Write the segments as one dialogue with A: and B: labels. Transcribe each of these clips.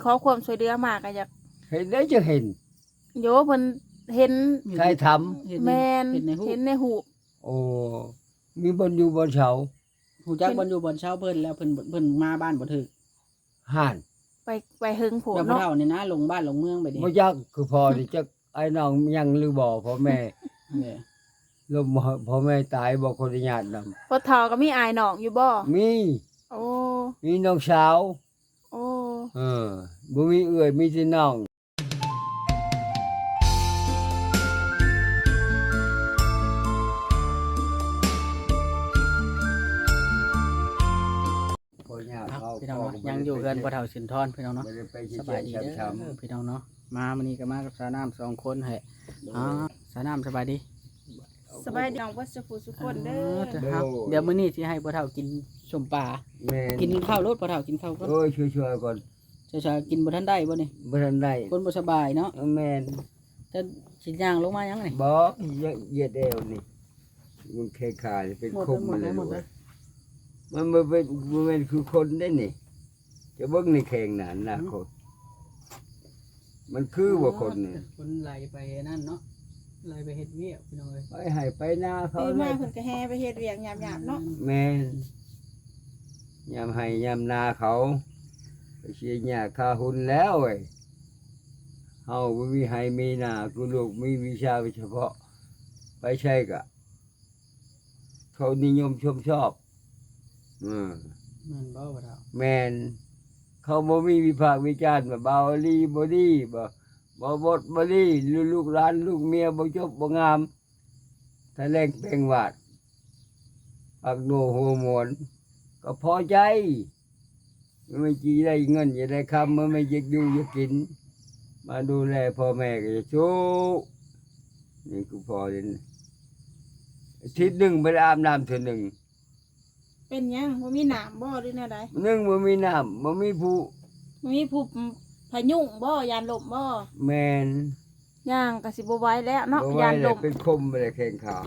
A: ขอความช่วยเหลือมาก็อยาก
B: เห็นได้จะเห็น
A: โยเพิ่นเห็น
B: ใครท
A: แม่น
C: เห็นในหู
A: เห็นในหูป
B: ำโอ้มีบนอยู่บนเสา
C: หูจักบ่อยู่บ่เช้าเพิ่นแล้วเพิ่นมาบ้านบ่ถึก
B: ห่าน
A: ไปหึงโผ
C: แล้วบ่
A: เนาะ
C: เฒ่านี่นะลงบ้านลงเมืองไปดิ
B: บ่ยักคือพอที่จะไอ้น้องยังหรือบ่พ่อแม่
C: เนี่ย
B: ลมพ่อแม่ตายบ่คนญาตินำ
A: พอเฒ่าก็มีอายน้องอยู่บ่
B: มี
A: โอ้
B: มีน้องสาว
A: โอ้
B: บ่มีเอื้อยมีแต่น้องพ่อย่า
C: เอา
B: เขา
C: พี่น้องเนาะยังอยู่เฮือนบ่เฒ่าสินทรพี่น้องเนาะ
B: บ่ได้ไป
C: สบายดีเด้
B: ช้
C: อพี่น้องเนาะมามื้อนี้ก็มากับสาวน้ำ2คนแฮะอ๋อสาวน้ำสบายดี
A: สบายดีน้องวัชผู้สุคนเด้อ
C: ครับเดี๋ยวมื้อนี้สิให้บ่เฒ่ากินชมปลา
B: แม่
C: กินข้าวรถบ่เฒ่ากินข้าวก่อน
B: โอ้ยช่วยๆก่อน
C: ชากินบ่ทันได้บ่นี่
B: บ่ทันได้
C: คนบ่สบายเนาะ
B: แม่น
C: แต่สิย่างลงมายังนี่
B: บ่เหยียดเอวนี่มันแค่ขาดเป็นคมมาเลยลูกเอ้ยมันบ่เป็นคือคนได้นี่จะเบิ่งในแข่งหนานนะคนมันคือว่าคนนี่
C: คนไหลไปนั่นเนาะไหลไปเฮ็ดเวียกพี่น้องเอ้ย
B: ไปให้ไปหน้าเขา
A: ปี
B: เล
A: มาย เพิ่นก็แห่ไปเฮ็ดเวียกหยาบๆเนาะ
B: แม่นยามให้ยามนาเขาไปเชียร์หญ้าคาหุ่นแล้วเว้ยเฮาบ่มีให้มีนากูลูกมีวิชาเฉพาะ ไปใช่กะเขานิยมชมชอบ
C: มันบ่บ่เฒ่า
B: แมนเขาบ่มีวิพากษ์วิจารณ์ว่าเบาลีบ่ดีบ่บดบ่ดีลูกหลานลูกเมียบ่จบบ่งามถ้าแรงเปลงวาดปักโนหัวหมวนก็พอใจมันไม่จีได้เงินจะได้คำมันไม่อยากอยู่อยากกิน มาดูแลพ่อแม่ก็จะสู้นี่กูพอเลยอาทิตย์หนึ่งไปอาบน้ำเทื่อหนึ่ง
A: เป็นหยังบ่มีหนามบ่หรือแนวใด
B: หนึ่งบ่มีน้ำบ่มีผู้
A: บ่มีผู้พายุงบ่ยานลมบ่
B: แมน
A: ย่างก็สิบ่ไหวแล้วเนาะ
B: บ่ไหวย
A: าน
B: เล
A: ล
B: ย
A: ม
B: เป็นคมไปเลยแข่งขาย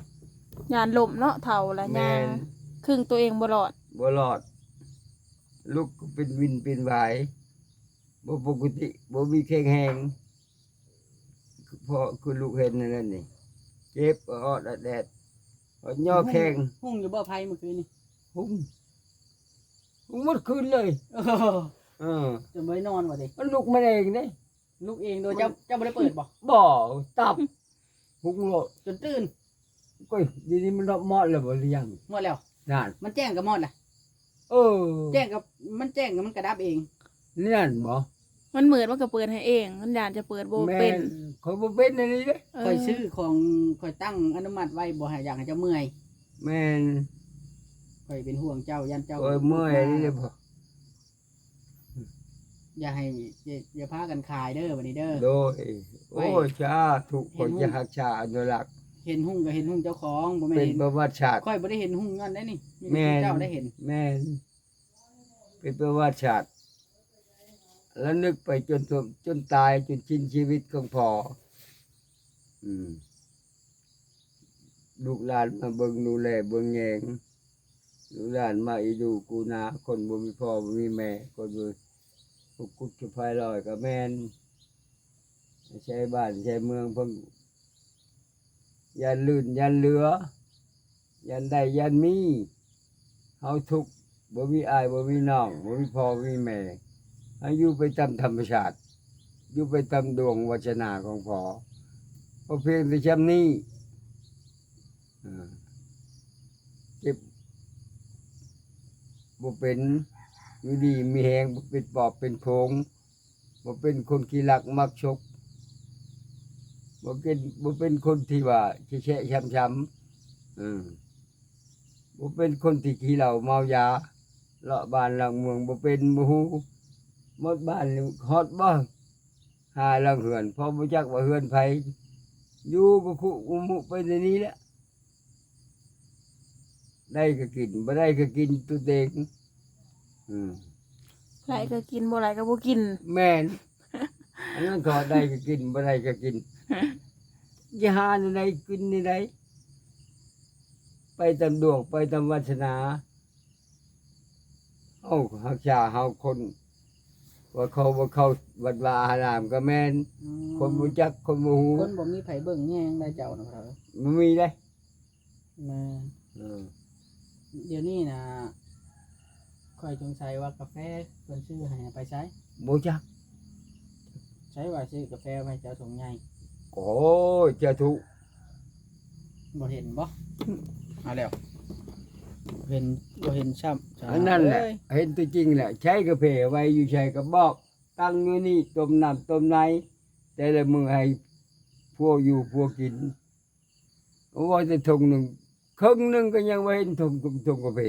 A: านลมเนาะเฒ่าละ
B: แม
A: ย่าง
B: น
A: ครึ่งตัวเองบ่รอด
B: บ่รอด ลูกก็เป็นวินเป็นไหวายบ่ปกติบ่มีแข็งแรงเพราะคือลูกเห็นนั่นนี่เจ็บออดแดดอดย่อแข้ง
C: หุ่งอยู่บ่ไผเมื่อคืนนี่
B: หุ้มหมดคืนเลย
C: โอ้
B: เออ
C: จะบ่ได้นอนบ่ดิ
B: มันลุกมาเองเด้
C: ลูกเองโดยเจ้าบ่ได้เปิดบ่
B: บ่ตับหุ้งโลด
C: จนตื่น
B: ก้อยดีนี้มันรอบมอดแล้วบ่หรือยัง
C: หมดแล้ว
B: นั่น
C: มันแจ้งกับหมดน่ะ
B: เออ
C: แจ้งกับมันกระดับเอง
B: นี่นั่นบ่
A: มันเหมือนมันก็เปิดให้เองมันยานจะเปิดบ่
B: แม่
A: เป็น
B: เขาบ่เป็นอันนี้เด้
A: เอ
C: ค่อย
A: อ
C: ซื้อของค่อยตั้งอนุมัติไว้บ่ให้อยากให้เจ้าเมื่อย
B: แม่น
C: ค่อยเป็นห่วงเจ้ายันเจ้า
B: โอ้ยเมื่อยนี่เด้บ่
C: อย่าให้อย่าพากันขายเด้อบัดนี้เด้อ
B: โดยโอ้ยชาทุกคนจะหักชาอนุรักษ์
C: เห็นหุ้งก็เห็นหุ้งเจ้าของบ่แม่น
B: เป็น
C: เห็น
B: ประวัติศาสตร์
C: ค่อยบ่ได้เห็นหุ้งย้อนได้นี่มี
B: แม่
C: แต่
B: น
C: เจ้าได้เห็น
B: แม่นเป็นประวัติศาสตร์แล้วนึกไปจนตายจนสิ้นชีวิตของพ่ออืมลูกหลานมาเบิ่งดูแลเบิ่งแยงลูกหลานมาอีดูกูนาคนบ่มีพ่อบ่มีแม่คนบ่กุกกุกจะพายลอยกับแม่นใช้บ้านใช้เมืองเพิ่งยันลื่นยันเหลือ ยันได้ยันมีเฮาทุกข์บ่มีอายบ่มีน้องบ่มีพ่อบ่มีแม่ให้อยู่ไปตามธรรมชาติอยู่ไปตามดวงวัจนาของพ่อเพราะเพียงแต่ชำนี้เจ็บบ่เป็นอยู่ดีมีแหงบ่เป็นปอบเป็นโพงบ่เป็นคนขี้รักมักชกบ่เป็นคนที่ว่าแฉะช้ำบ่เป็นคนที่ขี้เหล้าเมายาเลาะบ้านหลังเมืองบ่เป็นบ่ฮู้หมดบ้านนี่ฮอดบ่หาหลังเฮือนเพราะบ่จักว่าเฮือนไผอยู่ก็คุกุมุไปในนี้แหละได้ก็กินบ่ได้ก็กินตัวเอง
A: ไหลก็กินบ่ไหลก็บ่กิน
B: แม่นอันนั้นก็ได้ก็กินบ่ได้ก็กินจะหาในใดกินในใดไปตามดวงไปตามวาสนาเฮาหักษาเฮาคนว่าเขาบ่เข้าวัดวาอารามก็แม่น
C: อืม
B: คนบ่จักคนบ่ฮู้
C: คนบ่มีไผเบิ่งแยงได้เจ้านะพ่อเฒ่า
B: บ่มีเด้
C: แม่
B: เออ
C: เดี๋ยวนี้นะค่อยสงสัยว่ากาแฟเพิ่นซื้อให้ไปใช้
B: บ่จัก
C: ใช้ว่าซื้อกาแฟไว้เจ้าถุงใหญ่
B: โอ้ยเจะทุก
C: บ่เห็นบ่เอาแล้วเห็นบ่เห็นช้ำ
B: อันนั้นแหละ
C: เอ้ย
B: เห็นตัวจริงแหละใช้กระเพาไว้อยู่ใช้กระบอก ตั้งอยู่นี่ต้มน้ำต้มไหนแต่ละมือให้พวกอยู่พวกกินว่าจะทงหนึ่งครึ่งหนึ่งก็ยังไม่เห็นทงกระเพา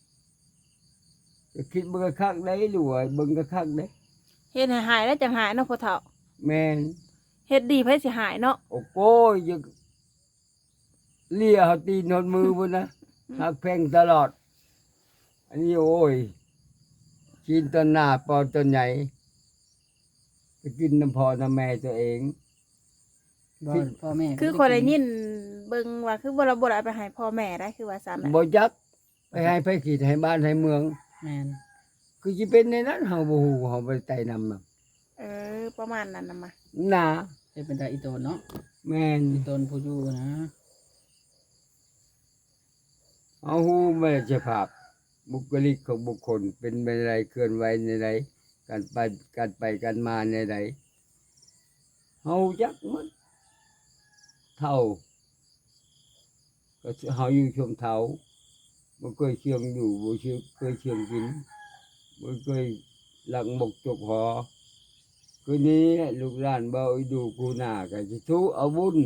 B: ก็คิดเบิ่งกระคักได้หรือว่าเบิ่งกระคักได้
A: เฮ็ดให้หายแล้วจังหายเนาะพ่อเฒ่า
B: แม่น
A: เฮ็ดดีไผสิหายเนาะ
B: โอ้โหยังเลียเขาตีนหดมือพุ่นนะหักแพงตลอด อันนี้โอ้ยกินต้นหน้าปอต้นใหญ่ไปกินน้ำพอน้ำแม่ตัวเอง
C: บ่พ่อแม่
A: คือคนได้ยินเบิ่งว่าคือบ่เราบ่ได้เอาไปให้พ่อแม่ได้คือว่าซั่นน่ะ
B: บ่จักไปให้ไปขีดให้บ้านให้เมือง
C: แม่น
B: คือสิเป็นในนั้นเฮาบ่ฮู้เฮาบ่ได้ไต่นำน่ะ
A: ประมาณนั้นน่ะมา
B: หนา
C: เฮ็ดเป็นตาอีโตนเนาะ
B: แม่น
C: อีโตนผู้อยู่นะ
B: เฮาฮู้แม่สภาพบุคลิกของบุคคลเป็นไปในใดเคลื่อนไหวในใดการไปการมาในใดเฮาจักหมดเท่าก็เฮาอยู่ชมเท่าบ่เคยเชียงอยู่บ่เคยเชียงกินบ่เคยหลังบกจกหอคืนนี้ลูกหลานบ่เอาดูกูหน้าก็สิทุเอาบุญ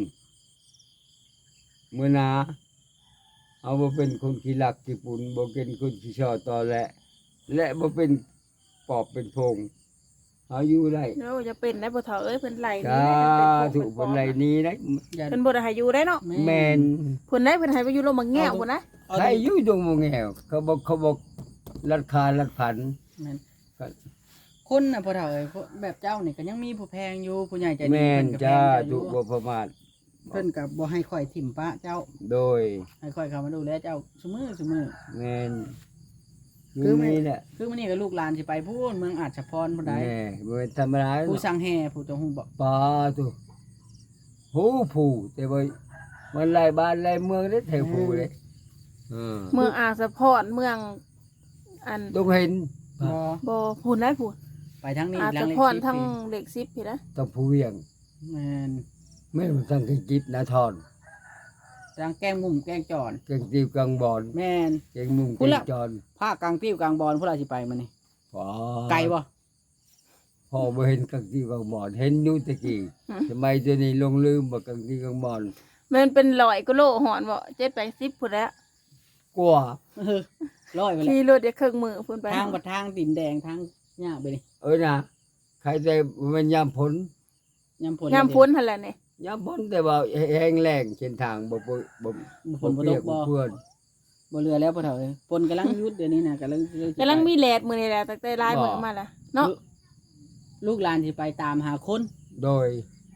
B: มื้อหน้าเอาบ่เป็นคนขี้ลักขี้ปุ่นบ่เป็นคนขี้ช่อตอและบ่เป็นปอบเป็นโพงเอาอยู่ได้
A: เนาะจะเป็นได้พ่อเฒ่าเอ้ยเพิ่นไล่
B: สา
A: นี่
B: ธุเพิ่นไล่หนี้ได้
C: อย่า
A: เพิ่นบ่ได้ให้อยู่ได้เนาะ
B: แม่น
A: เพิ่นได้เพิ่นให้ไปอยู่โรงบักแง่วพุ่นนะ
C: เอา
B: ใครอยู่ดงบ่แงวเขาบอกลัดคาลัดผัน
C: แม่น
B: ก็
C: คนน่ะพ่อเฒ่าเอ้ยแบบเจ้านี่ก็ยังมีผู้แพงอยู่ผู้ใหญ่ใจดี
B: แม่น
C: เพิ่นก็แพ
B: จ้าง
C: เจ้าอ
B: ทุ
C: ยู่
B: บ่ประมาท
C: เพิ่นก็บ่ให้ข่อยถิ่มปะเจ้า
B: โดย
C: ให้ข่อยเข้ามาดูแลเจ้าซุมื้อ
B: แม่น
C: คื
B: คือ อ
C: ไม่
B: นี่แหละ
C: คือมื้อนี้ก็ลูกหลานสิไปพูนเมืองอาจฉพรพุ่นใด
B: แม่บ่เป็นธรรมดา
C: ผู้สั่งแห่ผู้เจ้าฮู้บ่
B: ปาตุหูผู้แต่ว่ามันหลายบ้านหลายเมืองได้แถวผู้เลยเออ
A: เมืองอ่างสะพอนเมืองอัน
B: ต้องเห็น
C: บ่
A: บ่พูนได้พูน
C: ไปทางนี้
A: อ่าง
C: หลั
A: สะ
C: งเลข
A: พอน
C: 10
A: ทั้ง
C: ปี
A: เด็ก10พี่นะ
B: ต้องผู้เวียง
C: แม่น
B: แม่นตั้งกิจิบนาทอน
C: ทางแกล้งมุมแกล้งจอน
B: เก่งตีบกลางบอน
C: แม่น
B: เก่งมุม
C: พู
B: เก่
C: ด
B: ง
C: ละ
B: จอน
C: ภาคกลางติ้วกลางบอลผู้ใดสิไปมื้อนี้
B: พอ
C: ไกลบ่
B: พอบ่เห็นกังตีบกลางบอนเห็นอยู่ตะกี้ทำไมเดี๋ยวนี้ลงลืมบ่กังตีบกลางบอน
A: มันเป็น100กิโลหอนบ่7 80พุ่นแล้ว
B: กว่า
C: เออร้อยไปแล้ว
A: ขี่รถได้ครึ่งมื้อพุ่นไป
C: ทางบัดทางดินแดงทางหญ้าไปนี่
B: นะใครแต่มันยามผล
C: ยามฝน
A: ยามพ้นหั่นแหละนี่
B: ยามผลแต่ว่าแห้งแล้งเส้นทางบ่
C: ฝนบ่ตกบ่
B: เพื่อน
C: บ่เรือแล้วพ่อเฒ่าเอ้ยฝนกำลังหยุดเดี๋ยวนี้น่ะกำลังสิไป
A: กำลังมีแลดมื้อนี่แหละตั้งแต่หลายมื้อมาแล้วเนาะ
C: ลูกหลานสิไปตามหาคน
B: โดย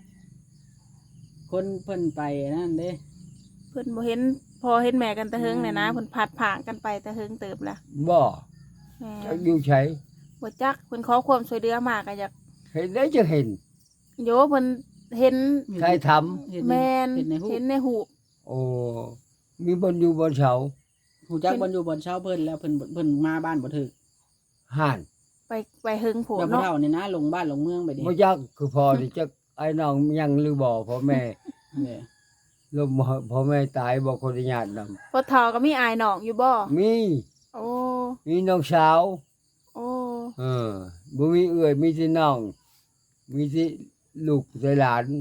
C: คนเพิ่นไปนั่นเด้
A: เพิ่นบ่เห็นพ่อเห็นแม่กันแต่เฮิงเนี่ยนะเพิ่นพัดผ่างกันไปแต่เฮิงเติบละ
B: บ่
A: แม่
B: จักอยู่ไส
A: บ่จักเพิ่นขอความช่วยเหลือมาก็อยาก
B: เห็นได้จะเห็น
A: โยเพิ่นเห็น
B: ใครทำ
C: เห็น
A: แม่น
C: เห็นในหู
A: เห็นในหูป
B: โอ้มีบนอยู่บนเสา
C: หูจักบ่อยู่บ่อนเช้าเพิ่นแล้วเพิ่นมาบ้านบ่ถึก
B: ห่าน
A: ไปเฮิงโผ
C: แล้วพ่อ
A: เนาะ
C: เฒ่านี่นะลงบ้านลงเมืองไปดิ
B: บ่จักคือพอที่จักไอ้น้องยังหรือบ่พ่อแม่
C: เนี่ย
B: ลมพ่อแม่ตายบ่คนญาตินำ
A: พ่อเฒ่าก็มีอายน้องอยู่บ่
B: มี
A: โอ้
B: มีน้องสาว
A: โอ้
B: บ่มีเอื้อยมีแต่น้อง มีแต่ลูกแต่หลาน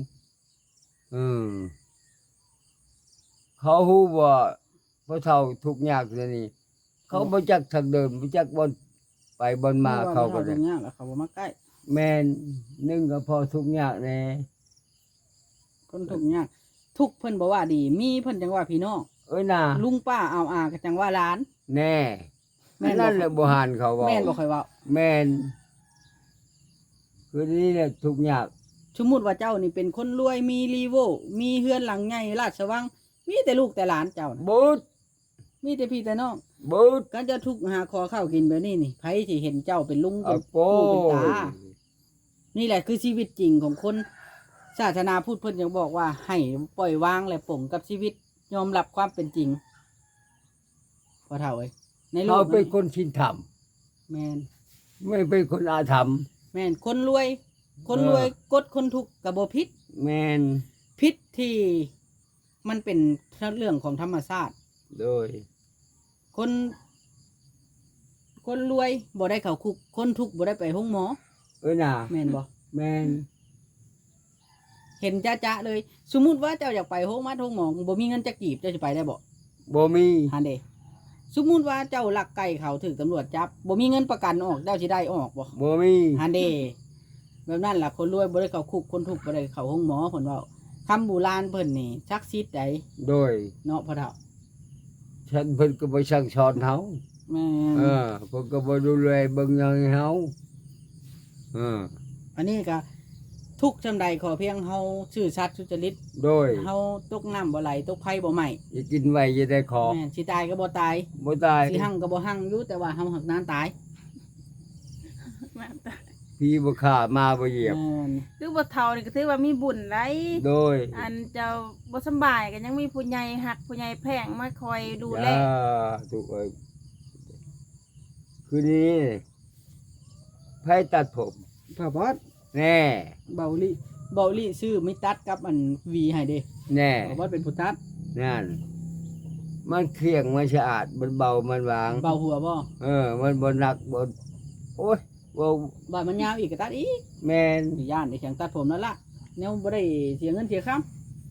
B: เขาฮู้ว่าพ่อเฒ่าทุกข์ยากซะนี่เขาบ่จักทางเดินบ่จักบ่อนไปบ่อนมาเขาก็
C: ได้
B: ได้
C: ยากแล้วเขาบ่มาใกล้
B: แม่นหนึ่งก็พอทุกข์ยากแน่
C: คนทุกข์ยากทุกข์เพิ่นบ่ว่าดี มีเพิ่นจังว่าพี่น้อง
B: เอ้ยน่ะ
C: ลุงป้าเอาอาก็จังว่าหลาน
B: แน่
C: แม่นบ่
B: นั่นแหละบ่หานเขาเว้า
C: แม่นบ่ค่อยเว้า
B: แม่นคือนี่แหละทุกข์ยาก
C: สมมุติว่าเจ้านี่เป็นคนรวยมีรีโวมีเฮือนหลังใหญ่ราชวังมีแต่ลูกแต่หลานเจ้าน่ะ
B: บูด
C: มีแต่พี่แต่น้อง
B: บูด
C: การจะทุกข์หาคอข้าวกินแบบนี้นี่ไผสิเห็นเจ้าเป็นลุงเป็
B: เอา
C: น
B: โป้
C: ปู่เป็นตานี่แหละคือชีวิตจริงของคนศาสนาพูดเพิ่นยังบอกว่าให้ปล่อยวางและปลงกับชีวิตยอมรับความเป็นจริงพอเท่าเอ้ยในโล
B: เขา
C: ก
B: เป็น
C: นี้
B: คนชินธรรม
C: แม่น
B: ไม่เป็นคนอาธรรม
C: แม่นคนรวย คนรวยกดคนทุกข์ก็บ่ผิด
B: แมน
C: ผิดที่มันเป็นเรื่องของธรรมชาติ
B: โดย
C: คนรวยบ่ได้เข้าคุกคนทุกข์บ่ได้ไปห้องหมอ
B: น่ะ
C: แม่นบ่
B: แมน
C: เห็นจ้าๆเลย สมมุติว่าเจ้าอยากไปห้องหมอบ่มีเงินจะกีบเจ้าสิไปได้บ่
B: บ่มี
C: ฮันเดสมมุติว่าเจ้าลักไก่เขาถูกตำรวจจับบ่มีเงินประกันออกเจ้าสิได้ออกบ่
B: บ่มี
C: ฮันเดแบบนั้นล่ะคนรวยบ่ได้เข้าคุกคนทุกข์บ่ได้เข้าห้องหมอเพิ่นเว้าคำโบราณเพิ่นนี่ศักดิ์สิทธิ์ใด
B: โดย
C: เนาะพ่อเฒ่า
B: ฉันเพิ่นก็บ่สั่งสอนเฮา
C: แม่น
B: เพิ่นก็บ่ดูแลเบิ่งแยงให้เฮาเออ
C: อันนี้ก็ทุกข์จำใดขอเพียงเฮาซื่อสัตย์สุจริต
B: โดย
C: เฮาตกน้ำบ่ไหลตกไฟบ่ไหม้
B: อย่ากินไว้อย่าได้ขอ
C: แม่นสิตายก็บ่ตาย
B: บ่ตาย
C: สิหั่งก็บ่หั่งอยู่แต่ว่าเฮาหักนานตาย
B: พี่บ่ฆ่ามาบ่เหยียบ
C: แม่น
A: คือบ่เฒ่านี่ก็ถือว่ามีบุญหลาย
B: โดย
A: อันเจ้าบ่สำบายก็ยังมีผู้ใหญ่หักผู้ใหญ่แพงมาคอยดูแล
B: ถูกเอ้ยคืนนี้ไผตัดผม
C: พ่อบอส
B: แน่
C: เบาลิซื้อมิตัดกับอันวีให้เด้
B: แน่
C: พ่อบอสเป็นผู้ตัด
B: นั่น มันเคียงมันสะอาดมันเบามันวาง
C: เบาหัวบ่
B: มันบ่หนักบ่โอ้ยบ่
C: บาดมันยาวอีกก็ตัดอีก
B: แม่น
C: สิย่านได้แข่งตัดผมนั่นล่ะแนวบ่ได้เสียเงินเสียค่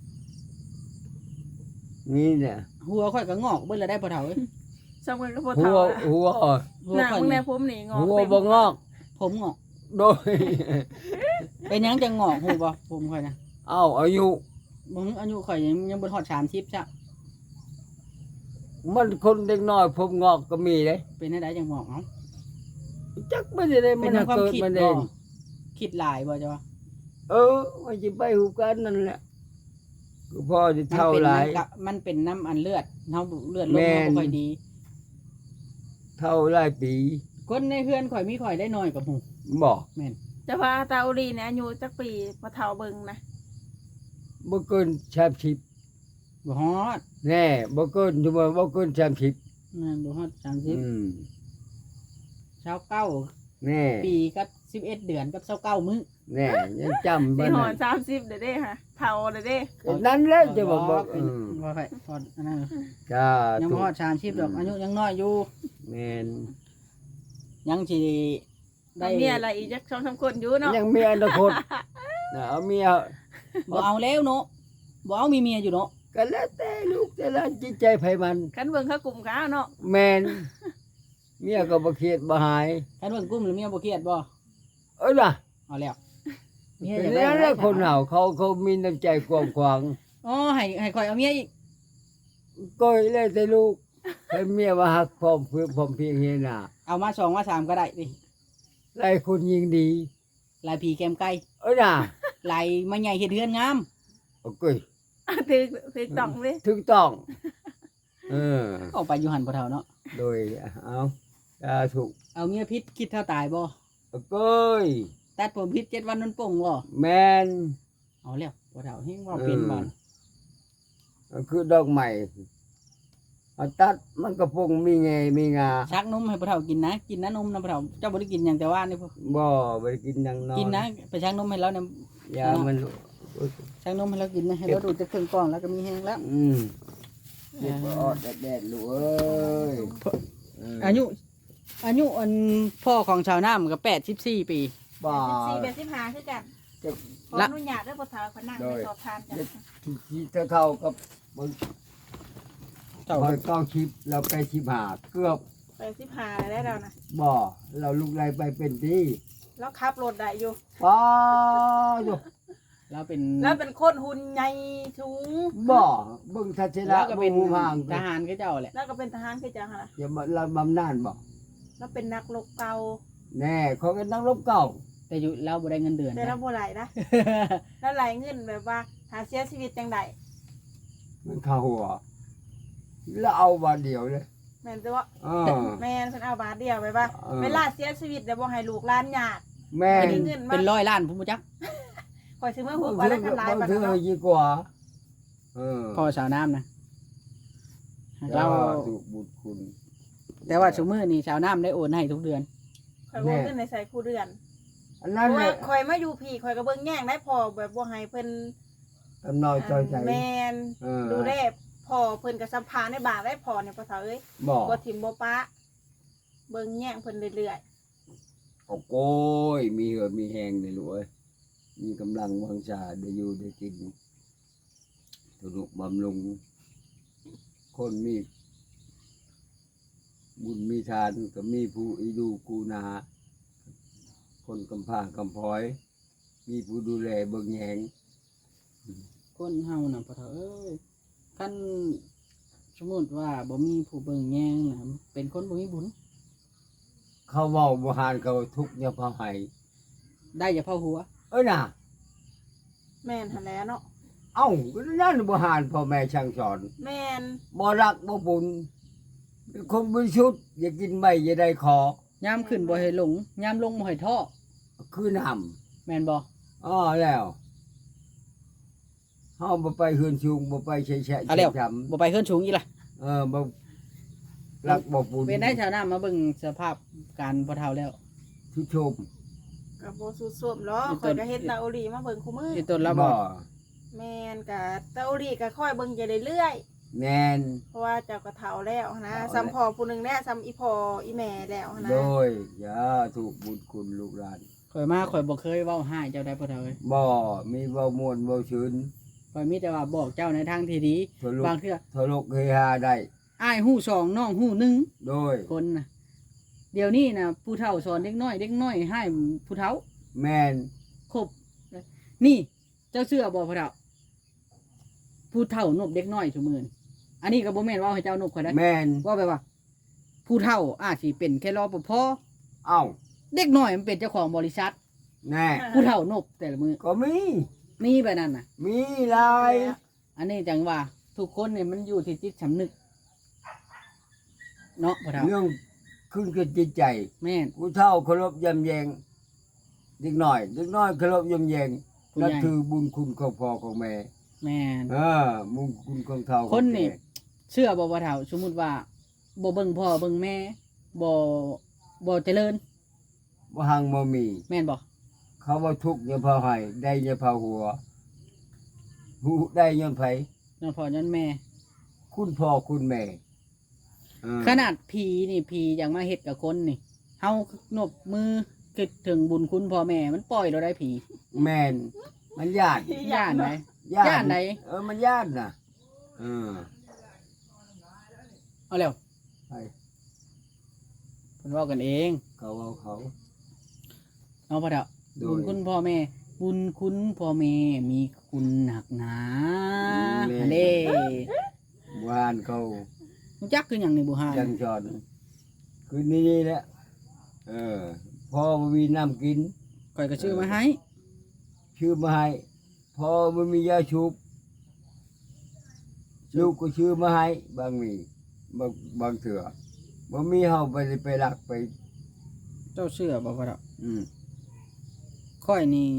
B: นี่เนี่ย
C: ำหัวข่อยก็งอกเบิดแล้วได้พ่อเฒ่าเอ้ย
A: สำคัญก็บ่
B: หั
A: เฒ่าว
B: หัว
C: หัว
A: หน้า
C: ข่อย
A: มึงแน่
C: นี่
A: ผมนี่งอก
B: หัว
A: เต็ม
B: บ่งอก
C: ผมงอก
B: โดย
C: เป็นหยังจะงอกฮู้บ่ผมข่อยนะ
B: เอ้าอายุ
C: บ่อายุข่อยยังบ่ฮอด30จ้ะ
B: มันคนเด็กน้อยผมงอกก็มีเด้
C: เป็นได้จังงอกเอ้า
B: จักไม่ได้
C: เป็
B: มัน น
C: ความ
B: เกิด
C: คิด
B: มันเอ
C: บ่
B: ง
C: คิดหลายบ่จ้ะ
B: มันจะไปหูกันนั่นแหละก็พ่อจะเท่าไหร
C: มันเป็นน้ำอันเลือดเฮาเลือดลง
B: แม่
C: เฮาน บ่ค่อยดี
B: เท่าไรปี
C: คนในเฮือนข่อยมีข่อยได้น้อยกับหมู่
B: บอก
C: แม่น
A: แต่ว่าตาอุลีเนี่ยอายุจักปีบ่เฒ่าเบิ่งนะ
B: บ่เกิน30
C: บ่ฮอด
B: แน่บ่เกินชั่วโมงบ่เกิน30
C: นั่นบ่ฮอด
B: อื
C: 30
B: ม
C: 29
B: แน่
C: ปีกับ11เดือนกับ29มื้อ
B: แน่ยังจำ
A: สิ
B: บ่
A: หอ
B: นั่
A: ด
B: น
A: 30เด้อเด้ค่ะเฒ่าเด้อเด้
B: นั่นแหละจะบอกบ่
C: เป็นบ่ค่อยฮอดอันนั้น
B: จ้า
C: ยัง
B: ถู
C: บ่
B: ก
C: ฮอด30ดอกอายุยังน้อยอยู่
B: แม่น
C: ยังสิได้
A: ได้เมียอะไรอีกจัก2-3คนอยู่เนาะ
B: ยังมีอนาคตนะเอาเมีย
C: บ่เอาแล้วเนาะบ่เอามีเมียอยู่เนาะ
B: ก็แล้วแต่ลูกแต่ละจิตใจไผมัน
A: คันเบิ่งเขากลุ่มเขาเนาะ
B: แม่นเมียก็บ่เครียดบ่หาย
C: คันเบิ่งกุ้มหรือเมียบ่เครียดบ่
B: ล่ะ
C: เอาแล้วเมีย
B: เป็น
C: อยากได้
B: นั่นแหละคนเฮาเขามีน้ำใจกว้างขวาง
C: อ๋อให้ข่อยเอาเมียอีก
B: ก็เลยแต่ลูกให้เมียมาหักพร้อมเพื่อพร้อมเพรียงเฮียน่ะ
C: เอามา2มา3ก็ได้ดิ
B: หลายคนยิ่งดี
C: ลายผีแก้มไก่
B: น่ะ
C: ลายมาใหญ่เฮ็ดเฮือนงาม
B: โอเค
A: ถือต้องเลย
B: ถูกต้องเออ
C: เอาไปอยู่หันบ่เท่าเนาะ
B: โดยเอาถูก
C: เอาเมียพิษคิดเท่าตายบ่
B: โอเค
C: ตัดผมพิษ7วันนั้นป่งบ่
B: แม่น
C: เอาแล้วบ่เท่าเฮงว่าเป็นบ่
B: คือดอกใหม่เอาตัดมันก็ปงมีไงมีงา
C: ชักนมให้บ่เท่ากินนะกินนะนมนะบ่เท่าเจ้าบ่ได้กินหยังแต่ว่านี่พวก
B: บ่ไปกินอยังนอน
C: กินนะไปชักนมให้เราเนี่ย
B: ยามัน
C: ชักนมให้เรากินนะให้เราดูดจากเครื่องกรองแล้วก็มีแห้งแล้ว
B: เด็กออดแดดๆลูกเอ้ย
C: อายุอันพ่อของชาวนามันก็84 ปี
B: บ่า
A: 14-15คือกัน
B: จะ
A: ขออนุญาตเด้อบ่เฒ่าคนนั่งไปสอบถามจ้ะ
B: ที่เท่ากับมัน
C: เจ้า
B: บอยต้องชิปเราไปชิบหาเกือบ
A: ไป15ได้แล้วนะ
B: บ่เราลูกไรไปเป็นที่
A: แล้วขับรถได้อยู่
B: ป้าอยู่
C: เราเป็น
A: แล้วเป็นคนหุ่นใหญ่สูง
B: บ่เบิ่งทัศนะ
C: แล้วก็เป็น
B: บ่ห่าง
C: ทหารคือเจ้าแหละ
A: แล้วก็เป็นทหารคือจังหั่นล่ะ
B: อย่ามาเราบำนาญบ่
A: แล้วเป็นนักรบเก่า
B: แน่เขาเป็นนักรบเก่า
C: แต่อยู่เราบ่ได้เงินเดือน
A: แต่เรา
C: นะ
A: บ่ไหลนะ แล้วไหลเงินแบบว่าหาเสียชีวิตจังได
B: มันเข้าหัวแล้วเอาบาทเดียวเลย
A: แม่นแต่ว่า
B: อ่า
A: แม่นเพิ่นเอาบาทเดียวไปว่า
B: เออ
A: เวลาเสียชีวิตแล้วบ่ให้ลูกหลานญาติ
B: แม่
A: มีเงินมา
C: เป็นร้อยล้านพุ่นบ่จัก
A: ข่อยซื้อมา
B: บ
A: หุบ
B: าง
A: อะไร
B: เทื่อ
A: กันหลาย
B: บาง
A: บาท
B: เทื่อ
A: เนาะ
B: ยิ่งกว่า
C: พ่อสาวน้ำนะ
B: เรา
C: เรา
B: ถูกบุญคุณ
C: แต่ว่าซุมื้อนี้สาวน้ำได้โอนให้ทุกเดือน
A: ข่อยบ่เงินในใส่คู่เดือน
B: อัน
A: เพ
B: นั้น
A: ราะ
B: แห
A: ว่า
B: ละ
A: ข่อยมาอยู่พี่ข่อยก็เบิ่งแย่งได้พอแบบบ่ให้เพิ่น
B: กำน้อยจอยใจ
A: แม่น
B: เออ
A: ดูแลพอเพิ่นก็สัมภาษณ์ในบาทได้พอเนี่ยพ่อเฒ่าเอ้ย
B: บอก
A: บ่ทิ่มบ่ปะเบิ่งแย่งเพิ่นเรื่อย
B: โอ้โก้ยมีเหือดมีแหงเลยลูกเอ้ยมีกำลังวังชาได้อยู่ได้กินสนุกบำรุงคนมีบุญมีทานก็มีผู้อีดูกูนา คนกำพร้ากำพร้อย มีผู้ดูแลเบิ่งแยง
C: คนเฮาน่ะพ่อเฒ่าเอ้ยคันสมมุติว่าบ่มีผู้เบิ่งแยงน่ะเป็นคนบ่มีบุญ
B: เขาเว้าบ่หานเขาทุกข์เนี่ยพาให้
C: ได้อย่าเผาหัว
B: เอ้ยน่ะ
A: ๆแม่นหั่นแหละเนาะ
B: เอ้าก็นั่นบ่หานพ่อแม่ช่างสอน
A: แม่น
B: บ่รักบ่บุญเป็นคนบริสุทธิ์อย่ากินไม่อย่าได้ขอย
C: ามขึ้นบ่ให้หลงยามลงบ่ให้ท้อ
B: คือน้
C: แม่นบ่
B: ำอ้อแล้วเฮาบ่ไปเฮือนชุงบ่ไปแฉะแฉะ
C: เอาแล้ว
B: จ
C: บ่ไปเฮือนสูงอีล่ะ
B: บ่รักบ่บุญ
C: เป็นได้ชาวนามาเบิ่งสภาพการพ่อเฒ่าแล้ว
B: ทุกชม
A: ก็บ่สู้ซ่วมหรอกข่อยก็เฮ็ดตาโอรีมาเบิ่งคู่มือ
C: ที่ต้นแล้วบ่
A: แม่นก็ตาโอรีก็ค่อยเบิ่งอยู่เรื่อยๆ
B: แน่น
A: เพราะว่าเจ้าก็เฒ่าแล้วนะ
B: เฒ่าแล้ว
A: ซ้ำพ่อผู้หนึงแล้วซ้ำอีพ่ออีแม่แล้วนะ
B: โดยอย่าถูกบุญคุณลูกหลาน
C: ข่อยมาข่อยบ่เคยเว้าให้เจ้าได้พ่อเฒ่าเอ้ย
B: บ่มีเว้าม่วนเว้าชื่น
C: ข่อยมีแต่ว่าบอกเจ้าในทางที่ดี
B: ทะลุ
C: บางเทื่อ
B: ทะลุเฮฮาได้
C: อ้ายฮู้สองน้องฮู้หนึ่ง
B: โดย
C: คนน่ะเดี๋ยวนี้น่ะผู้เฒ่าสอนเด็กน้อยให้ผู้เฒ่า
B: แม่น
C: ครบนี่เจ้าเชื่อบ่พ่อเฒ่าผู้เฒ่านบเด็กน้อยซุมื้อนี้อันนี้ก็บ่แม่นเว่าให้เจ้านบข่อยได้
B: แม่น
C: ว่าแบบว่า ผู้เฒ่าอาจสิเป็นแค่รอปภ
B: เอ้า
C: เด็กน้อยมันเป็นเจ้าของบริษัท
B: แน่
C: ผู้เฒ่านบแต่ละมือ
B: ก็มี
C: นี่แบบนั้นน่ะ
B: มีหลาย
C: อันนี้จังว่า ทุกคนเนี่ยมันอยู่ที่จิตสำนึกเนาะพ่อเฒ่า
B: เรื่องขึ้นกับจิตใจ
C: แม่น
B: ผู้เฒ่าเคารพยำแยงเด็กน้อยเคารพยำแยง
C: ผู้ใหญ่
B: นั่นคือบุญคุณของพ่อของแม่
C: แม่น
B: บุญคุณของเฒ่า
C: คนนี่
B: ของแก่
C: เชื่อบ่พ่อเฒ่าสมมุติว่าบ่เบิ่งพ่อเบิ่งแม่บ่เจริญ
B: บ่หังบ่มี
C: แม่นบ่
B: เขาว่าทุกข์อย่าพาให้ได้อย่าพาหัวหูได้ย้อนไผ
C: ย้อนพ่อย้อนแม่
B: คุณพ่อคุณแม่
C: ขนาดผีนี่ผีอย่างมาเฮ็ดกับคนนี่เฮานบมือคิดถึงบุญคุณพ่อแม่มันปล่อยเราได้ผี
B: แม่นมันย่าน
C: ย่านไหน
B: ย่าน
C: ย่านไหน
B: มันย่านน่ะเออ
C: เอาแล้ว
B: ไป
C: เพิ่นเว้ากันเอง
B: เขาเอาเขา
C: เอาพ่อเฒ่า
B: โดย
C: บุญคุณพ่อแม่ บุญคุณพ่อแม่มีคุณหนักหนา
B: แม่
C: อันเด้
B: วานเขา
C: รู้จักคือหยังนี่บ่ฮา
B: จังจอนคือนี่แหละพ่อบ่มีน้ำกิน
C: ข่อยก็ซื้อมาให้
B: ชื่อมาให้พ่อบ่มียาชุบลูกก็ชื่อมาให้บางมีบางเถื่อบ่มีเฮาไปรักไป
C: เจ้าเชื่อบ่พ่อเฒ่า
B: อืม
C: ข่อยนี่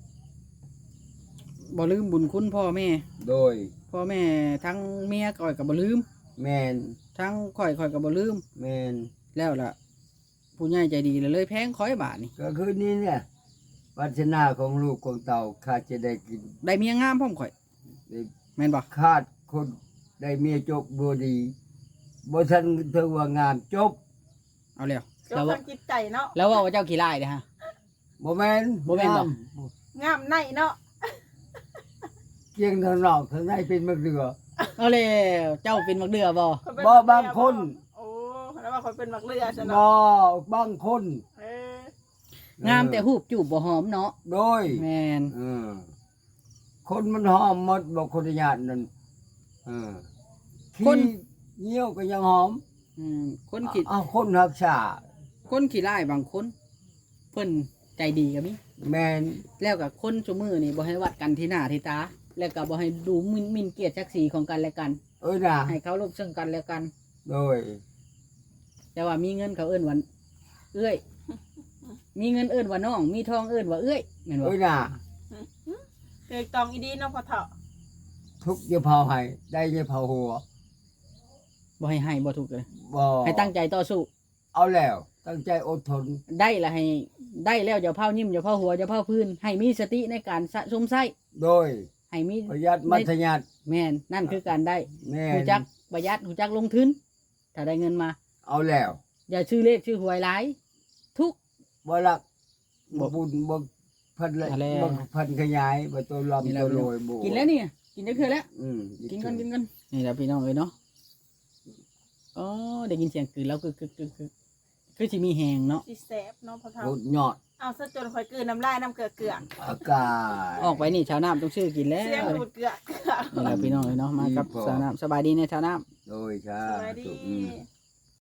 C: บ่ลืมบุญคุณพ่อแม่
B: โดย
C: พ่อแม่ทั้งเมียข่อยก็บ่ลืม
B: แม่น
C: ทั้งข่อยก็บ่ลืม
B: แม่น
C: แล้วล่ะ ผู้ใหญ่ใจดีเลยแพงข่อยบาทนี่
B: ก็คือนี่เนี่ยปัจนาของลูกของเต่าขาดจะได้กิน
C: ได้เมียงามพร้อมข่อย
B: ได้
C: แม่นบ่
B: ขาดคนได้เมียจบบ่ดีบ่ทันถึงว่างามจบ
C: เอาแล้ว
A: ก็
C: แล้ว
A: ฟั
C: ว่า
A: งจิตใจเนาะ
C: แล้วว่าเจ้าขี้ร้ายเด้อฮะ
B: บ่แม่น
C: บ่แม่นบ่
B: งา
A: งามในเนาะ
B: เกียงทางนอกทางในเป็นมะเขือ
C: เอาแล้วเจ้าเป็นมักเดือบ่
A: ข้อยเป็น
B: บ่
A: มักเรือบ
B: างคน
A: โอ้แล้วว่าคนเป็นมักเรือซะ
B: บ่
A: เนาะ
B: บางคน
A: เออ
C: งามแต่หูบจูบบ่หอมเนาะ
B: โดย
C: แม่น
B: เออคนมันหอมหมดบ่คนญาตินั่นเออขี้เหี่ยวก็ยังหอม
C: คนขี้
B: คนรักษา
C: คนขี้ร้ายบางคน เพิ่นใจดีก็มี
B: แม่น
C: แล้วก็คนซุมื้อนี่บ่ให้วัดกันที่หน้าที่ตา แล้วก็บ่ให้ดูหมิ่นเกียรติศักดิ์ศรีของกันและกัน
B: น่ะ
C: ให้เคารพซึ่งกันและกัน
B: โดย
C: แต่ว่ามีเงินเขาเอิ้นวันเอื้อยมีเงินเอิ้นว่าน้องมีทองเอิ้นว่าเอ้ยแม่นบ่
B: เอ้ยน่ะ
A: เกิดตองอีดีเนาะพ่อเฒ่า
B: ทุกอย่าเผาให้ได้อย่าเผาหัว
C: บ่ให้บ่ถูกเลย
B: บ่
C: ให้ตั้งใจต่อสู้
B: เอาแล้วตั้งใจอดทน
C: ได้ละให้ได้แล้วอย่าเผายิ้มอย่าเผาหัวอย่าเผาพื้นให้มีสติในการสะสมไส้
B: โดย
C: ให้มี
B: ประหยัดมัธยัติ
C: แม่นนั่นคือการได้
B: แม่
C: หู
B: น
C: จักประหยัดหูจักลงทุนถ้าได้เงินมา
B: เอาแล้ว
C: อย่าชื่อเลขชื่อหวยหลายทุก
B: บ่รัก
C: บ่
B: บ่บุญบ่พันละ
C: อะไร
B: บ่พันขยายบ่ตัวลำตัวโรยบ่
C: กินแล้วนี่กินได้คือแล้ว
B: อืม
C: กินกันนี่แหละพี่น้องเอ้ยเนาะอ๋อได้ยินเสียงกลืนแล้วคือสิมีแหงเนาะ
A: สิแสบเนาะพ่อเฒ่า
B: รถยอด
A: เอาซะจนข่อยกลืนน้ำลายน้ำเกลือก
B: อากาศ
C: ออกไปนี่ชาวน้ำต้องชื่อกินแล้ว
A: เสียง
C: นี่
A: หูดเกลือก
C: แหละพี่น้องเอ้ยเนาะมากับชาวน้ำสบายดีในชาวน้ำ
B: โดยค่ะ
A: สวัสดี
B: อืม